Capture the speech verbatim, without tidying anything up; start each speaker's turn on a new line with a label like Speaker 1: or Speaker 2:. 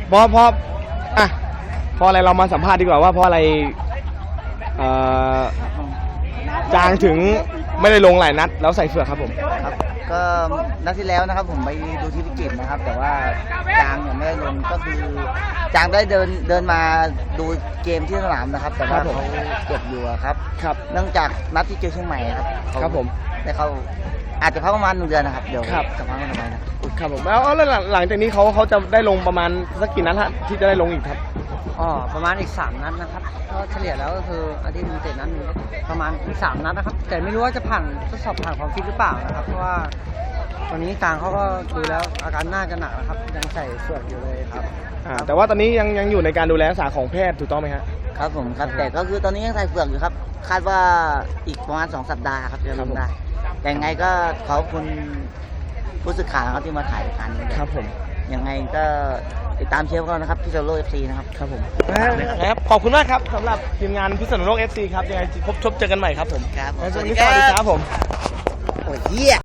Speaker 1: เพราะเพราะอ่ะเพราะอะไรเรามาสัมภาษณ์ดีกว่าว่าเพราะอะไรเอ่อจางถึงไม่ได้ลงหลายนัดแล้วใส่เฟือกครับผม
Speaker 2: ครับก็นัดที่แล้วนะครับผมไปดูที่พิจิตรนะครับแต่ว่าจางเนี่ยไม่ได้ลงก็คือจางได้เดินเดินมาดูเกมที่สนามนะครับแต่ว่าเขาเจ็บอยู่ครับครับเนื่องจากนัดที่เจอเชียงใหม่ครับ
Speaker 1: ครับผม
Speaker 2: ได้เขาอาจจะพักประมาณหนึ่งเดือนนะครับเดี๋ยวจะพักกันไปนะ
Speaker 1: ครับผมแล้วแล้วหลังจากนี้เขาเขาจะได้ลงประมาณสักกี่นัดฮะที่จะได้ลงอีกครับ
Speaker 3: อ๋อประมาณอีกสามนัดนะครับก็เฉลี่ยแล้วก็คืออาทิตย์นึงเจ็ดนัดนึงประมาณอีกสามนัดนะครับแต่ไม่รู้ว่าจะผ่านทดสอบผ่านความฟิตหรือเปล่านะครับเพราะว่าตอนนี้กลางเขาก็ดูแล้วอาการน่าจะหนักนะครับยังใส่เฟือกอยู่เลยครับ
Speaker 1: แต่ว่าตอนนี้ยังยังอยู่ในการดูแลรักษาของแพทย์ถูกต้องไหมครับ
Speaker 2: ครับผมครับแต่ก็คือตอนนี้ยังใส่เฟือกอยู่ครับคาดว่าอีกประมาณสองสัปดาห์ครับจะลงได้แต่ยังไงก็ขอบคุณผู้สื่อข่าวครับที่มาถ่ายกัน
Speaker 1: ครับผม
Speaker 2: ยังไงก็ติดตามเชียร์พวกเรานะครับพิษณุโลก เอฟ ซี นะครับ
Speaker 1: ครับผมครับขอบคุณมากครับสำหรับทีมงานพิษณุโลก เอฟ ซี ครับยังไงพบชมเจอกันใหม่ครับผม
Speaker 2: ครับ
Speaker 1: สวัสดีครับผม
Speaker 2: โอ้ยเหี้ย